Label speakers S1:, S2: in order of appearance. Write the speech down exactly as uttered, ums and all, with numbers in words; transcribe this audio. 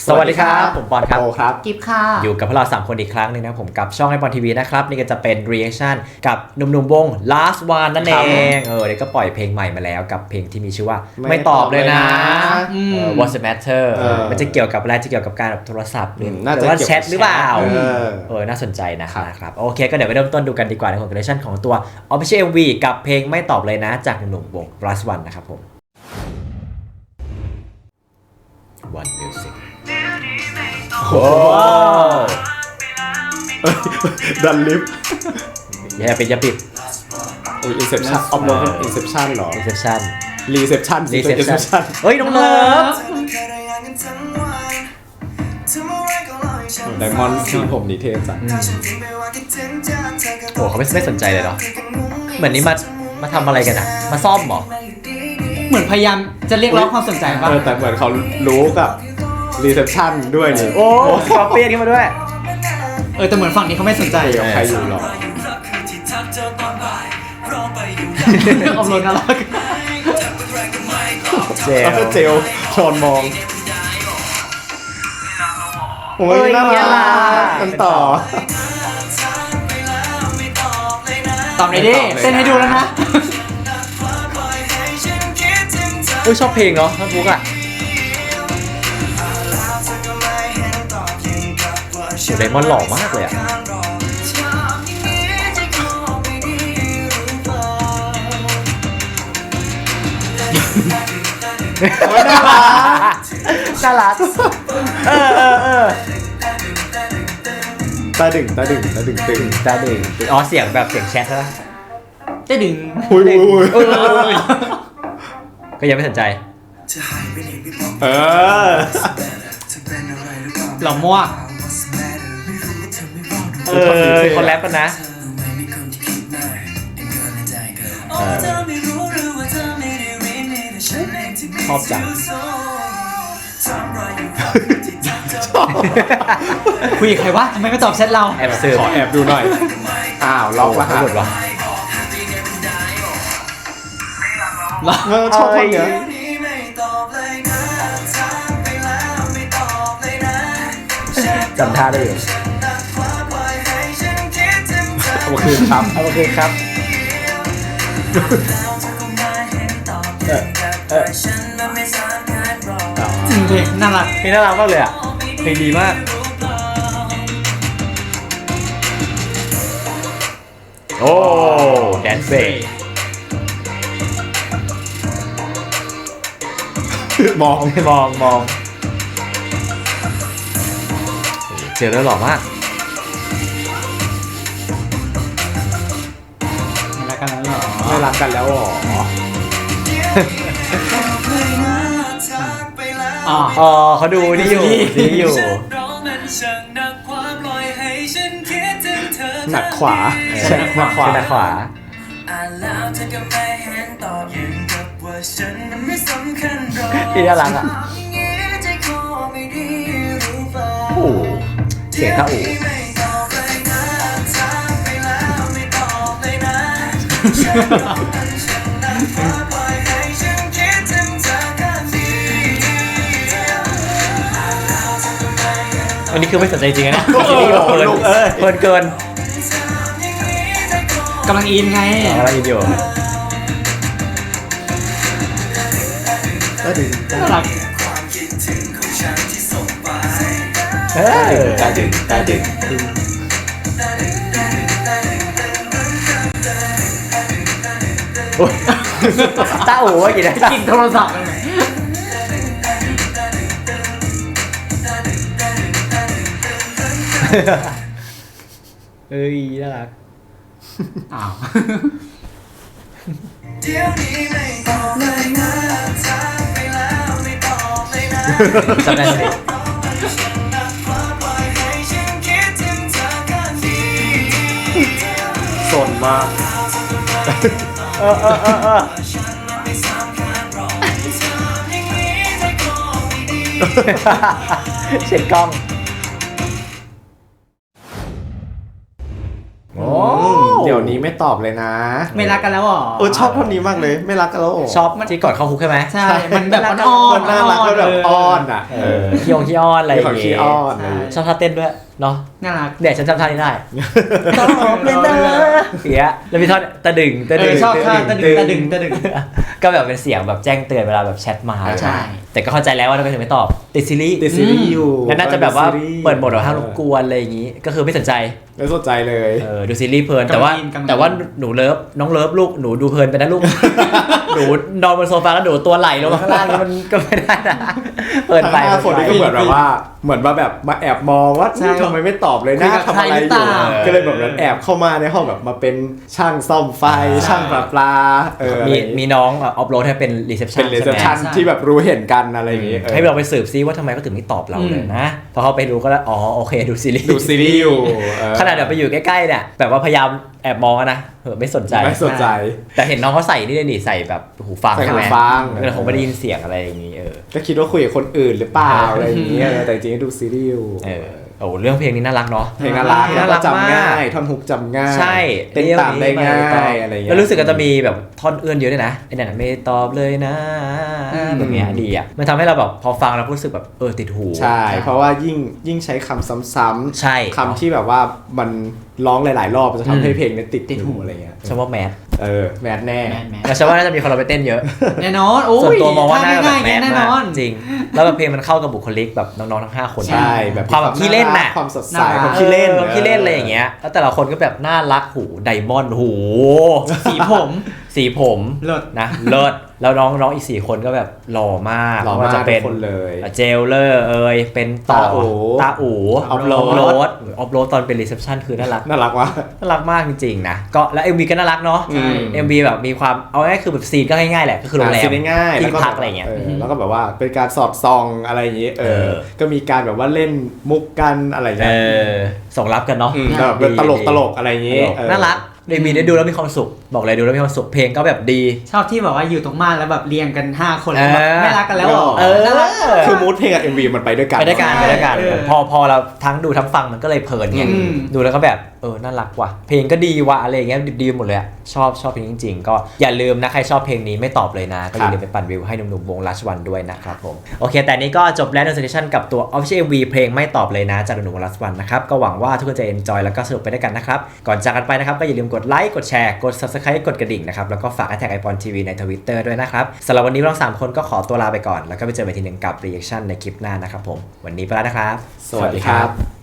S1: สวัสดีครับผมปอนครับ
S2: โอครับ
S3: กิฟค่ะ
S1: อยู่กับพวกเราสามคนอีกครั้งนึงนะผมกับช่องไอปอนทีวีนะครับนี่ก็จะเป็น reaction กับหนุ่มๆวง last one นั่นเองเออเดี๋ยวก็ปล่อยเพลงใหม่มาแล้วกับเพลงที่มีชื่อว่าไม่ตอบเลยนะ What's the matter มันจะเกี่ยวกับอะไรจะเกี่ยวกับการโทรศัพท์หรือว่าแชทหรือเปล่าเออน่าสนใจนะครับโอเคก็เดี๋ยวไปเริ่มต้นดูกันดีกว่าในของ reaction ของตัว official เอ็ม วี กับเพลงไม่ตอบเลยนะจากหนุ่มๆวง last one นะครับผม One Musicโอ้
S2: ดันลิฟ
S1: อย่าปิดอย่าปิด
S2: โอ้ยอินเซปชั่นออฟโรดอินเซปชั่นหรอ
S1: Inception
S2: รีเซปชั่น
S1: Reception เฮ้ยน้องเลิฟ
S2: ไดมอนด์สีผมนิเทศจ้ะ
S1: โอ้เขาไม่ไม่สนใจเลยเนาะเหมือนนี้มามาทำอะไรกันอะมาซ่อมหรอ
S3: เหมือนพยายามจะเรียกร้องความสนใจป่ะ
S2: แต่เหมือนเขารู้กับรีเซปชั่นด้วยนี่
S1: โอ้คอปปี้นี้มาด้วย
S3: เออแต่เหมือนฝั่งนี้เขาไม่สนใจ
S2: กับใครอยู่หรอ
S3: อมรนน่ารัก
S1: เจล
S2: เจลชอนมองโอ้ยน่ารักกันต่อ
S3: ตอบเลยดิเต้นให้ดูแล้วนะ
S1: โอ้ยชอบเพลงเนาะท่านฟุกอะไดมอนด์หล่อมากเลยอะน่ารักเออเออเออ
S2: ตาดึงตาดึงตาดึงตึง
S1: ตาดึงอ๋อเสียงแบบเสียงแชทใช่ไหม
S3: จะดึง
S2: อุ้ยอุ้ย
S1: ก็ยังไม่สนใจ
S2: เออ
S3: หล่อมั่ว
S1: เออคนแรปกันนะชอบจัง
S3: คุยกับใครวะทำไมไม่ตอบแชทเรา
S1: แอบซื้อ
S2: ขอแอบดูหน่อยอ้าวล็อกรหัส
S1: วะ
S2: เออชอบคนเนี้ย
S1: จำท่าได้อยู่
S2: โอเคครับ
S1: โอเคครับเออเออ
S3: จริงเพลงน่ารัก
S1: เพลงน่ารักมากเลยอ่ะเพลงดีมากโอ้แดนเซ่
S2: มอง
S1: มองมองเจอแล้วหล่อมาก
S3: ไม่รักกันแล้วหรอ
S2: ไม่รักกันแล้วหรอ
S1: อ๋อเขาดูนี่อยู่นี่อยู่
S2: หนักขวา
S1: ใช่หนักขวาหนักขวาที่น่ารักอ่ะโอ้เสียงท่าอูวันนี้คือไม่สนใจจริงนะเพลินเพลินเกิน
S3: กำลังอินไง
S1: กำลังอินอยู่
S2: ก็ดี
S3: น่ารัก
S1: เออ
S2: ตาดึงตาดึง
S1: ตาอู๋ว่ากี่ได้
S3: กินโทรศัพท์
S1: เอ้ยน่ารัก
S3: อ้าว
S1: จำได้ไหม
S2: สนมาก
S1: เออเออเออเออเช็ดกล้อง
S2: โอ้เดี๋ยวนี้ไม่ไม่ตอบเลยนะ
S3: ไม่รักกันแล้วหรอ
S2: เออชอบท่อนนี้มากเลยไม่รักกันแล้วเหรอ
S1: ชอบที่ก่อนเข้าคุกใช่ไหม
S3: ใช่ มันแบบอ่อน
S2: มันน่ารักแล้วแบบอ้อนอ่ะ
S1: เออขี้องขี้อ้อนอะไรอย่าง
S2: ของ
S1: เงี้
S2: ขี้
S1: ย
S2: อ้อนอะไรอย่างเงี้ย
S1: ชอบท่าเต้นด้วยเนาะ
S3: น่ารัก
S1: เดี๋ยวฉันจำท่านี้ได้ตอบเลยนะเสียแล้วมีท่อนตะดึงตะ
S3: เอ
S1: ดึ
S3: อง ชอบท่าตะดึงตะดึงตะดึง
S1: ก็แบบเป็นเสียงแบบแจ้งเตือนเวลาแบบแชทมา
S3: ใช่
S1: แต่ก็เข้าใจแล้วว่าทำไมถึงไม่ตอบติดซีรีส์
S2: ติดซีรีส์อยู่
S1: แล้วน่าจะแบบว่า
S2: ติดซีรีส์
S1: เปิดโหมดแบบห้ามรบกวนอะไรอย่างงี้ ก็คือไม่สนใจ
S2: ไม่สนใจเลย
S1: เออดูซีรีส์เพลินแต่ว่าก
S3: ำลังอินกำลังอิน
S1: แต่ว่าหนูเลิฟน้องเลิฟลูกหนูดูเพลินไปนะลูก หนูนอนบนโซฟาแล้วหนูตัวไหลลงมาข้างล่างนี่มันก็ไม่ได้นะเพลิน
S2: ทั้ง
S1: ไป
S2: ห้าคนนี้ก็เหมือนแบบว่าเหมือนมาแบบมาแอบมองว่า
S3: ใช่
S2: ทำไมไม่ตอบเลย
S3: คุย
S2: นะ
S3: กับ
S2: ทำอะไร
S3: ใครหรือ
S2: อ
S3: เป
S2: ยู่
S3: ล่า
S2: ก็เลยแบบนั้นแอบเข้ามาในห้องแบบมาเป็นช่างซ่อมไฟช่างประปลาเออ
S1: มีมีน้องออฟโหลดให้เป็นรีเซพชั
S2: เป็น นรีเซพชัน
S3: ใช่ไหม
S2: ที่แบบรู้เห็นกันอะไรอย่างงี้เออ
S1: ให้เราไปสืบซิว่าทำไมเขาถึงไม่ตอบเราเลยนะพอเขาไปรู้ก็แล้วอ๋อโอเคดูซีรีส์
S2: ดูซีรีส์อยู่เออ
S1: ขนาดเดี๋ยวไปอยู่ใกล้ๆเนี่ยแบบว่าพยายามแอบมองอะนะเออไม่สนใจ
S2: ไม่สนใจ
S1: แต่เห็นน้องเขาใส่นี่เลยนี่ใส่แบบหูฟัง
S2: ใส่
S1: ใช่ไหม
S2: หูฟัง
S1: ก็เลยผมไม่ได้ยินเสียงอะไรอย่างนี้เออ
S2: ก็คิดว่าคุยกับคนอื่นหรือเปล่าอะไรอย่างเงี้ยแต่จริงๆก็ดูซีรีส์อยู่
S1: เออโอ้เรื่องเพลงนี้น่ารักเนาะ
S2: เพลงน่ารัก
S1: น่ารัก
S2: แล้วจำง่าย
S1: มาก
S2: ท่อนฮุกจำง่าย
S1: ใช่
S2: เต้นตามได้ง่ายอะไรอย่างเงี้ย
S1: แล้วรู้สึกว่าจะมีแบบท่อนเอื้อนเยอะด้วยนะไอ้นั่นนะไม่ตอบเลยนะแบบเนี้ยดีอ่ะมันทำให้เราแบบพอฟังแล้วรู้สึกแบบเออติดหู
S2: ใช่ เพราะว่ายิ่งยิ่งใช้คำซ้ำๆ
S1: ใช่
S2: คำที่แบบว่ามันร้องหลาย ๆ รอบมันจะทำให้
S1: อืม
S2: เพลงเนี้ติด
S3: ติดหู
S2: หูอะไรเงี้ย
S1: ฉันว่าแมส
S2: เออแมสแน่
S3: แมนแมน
S1: แต่ฉันว่าน่าจะมีคนเราไปเต้นเยอะ
S3: แน่นอนโอ้ย
S1: ส่วนตัวมองว่าน่าจะแบบ
S3: ง่ายๆ
S1: แมส
S3: แน่น
S1: มาก
S3: อน
S1: จริง แล้วแบบเพลงมันเข้ากับบุคลิกแบบน้องๆทั้งห้าคน
S2: ใช่แบบ
S1: ความแบบขี้เล่นน่ะ
S2: ความสดใส
S3: น่ารัก
S2: ความขี้เล่น
S1: ออขี้เล่นอะไรอย่างเงี้ยแล้วแต่ละคนก็แบบน่ารักหูไดมอนด์หู
S3: สีผม
S1: สีผม
S3: เลิศ
S1: นะเลิศแล้วน้องน้องอีกสี่คนก็แบบหล่อมาก
S2: หล่อ
S1: ว่
S2: มาก
S1: จะ
S2: ทุ
S1: เป็
S2: ก
S1: น
S2: คนเลย
S1: เจลเลอร์เอยเป็นต่อ
S2: ตาอู๋
S1: ตาอู๋
S2: ออฟโรด
S1: โรดออฟโรดตอนเป็นรีเซพชันคือน่ารัก
S2: น่ารักวะ
S1: น่ารักมากจริงๆนะก็แล้ว เอ็ม วี ก็น่ารักเนาะ
S2: อืม
S1: เอ็ม วี แบบมีความเอาง่ายๆคือแบบซีนก็ง่ายๆแหละก็คือโรงแรม
S2: ซีนง่ายๆ
S1: ที่
S2: แล้วก็
S1: พักอะไรเงี้ย
S2: แล้วก็แบบว่าเป็นการสอดส่องอะไรอย่างงี้เอ
S1: เอ
S2: อ
S1: อ
S2: ก็มีการแบบว่าเล่นมุกกันอะไร
S1: เอ
S2: เงี้ย
S1: อส่งรับกันเนาะ
S2: มแบบเป็นตลกตลกอะไรอย่าง
S1: ต
S2: งี้
S1: ลก
S2: เออ
S1: น่ารักเอ็ม วี ได้ดูแล้วมีความสุขบอกเลยดูแล้วมีความสุขเพลงก็แบบดี
S3: ชอบที่แบบว่าอยู่ตรงม่านแล้วแบบเรียงกันห้าคน
S1: เออ
S3: แล้วแบบไม่รักกันแล้วหรอ
S1: เออ
S3: น่ารัก
S2: คือมูดเพลงกับ เอ็ม วี มันไปด้วยกัน
S1: ไปด้วยกันไปด้วยกัน
S3: เออ
S1: พอพอเราทั้งดูทั้งฟังมันก็เลยเพลินไง
S3: อืม
S1: ดูแล้วก็แบบเออน่ารักว่ะเพลงก็ดีว่ะอะไรอย่างเงี้ยดีหมดเลยอะชอบชอบเพลงจริงๆ ก็อย่าลืมนะใครชอบเพลงนี้ไม่ตอบเลยนะก็อย่าลืมไปปั่นวิวให้หนุ่มๆวง Last One ด้วยนะครับผมโอเคแต่นี้ก็จบแล้วในเซสชั่นกับตัว Official เอ็ม วี เพลงไม่ตอบเลยนะจากหนุ่มๆวง Last One นะครับก็หวังว่าทุกคนจะ enjoy แล้วก็สนุกไปด้วยกันนะครับก่อนจากกันไปนะครับก็อย่าลืมกดไลค์กดแชร์กด Subscribe กดกระดิ่งนะครับแล้วก็ฝากแท็กไอปอนทีวีใน Twitter ด้วยนะครับสำหรับวันนี้เราสามคนก็ขอตัวลาไปก่อนแล้วก็ไปเจอกันทีหนึ่งกับ reaction ในคลิปหน้านะครับผมวันนี้ไปแล้วนะครับ
S2: สวัสดีครับ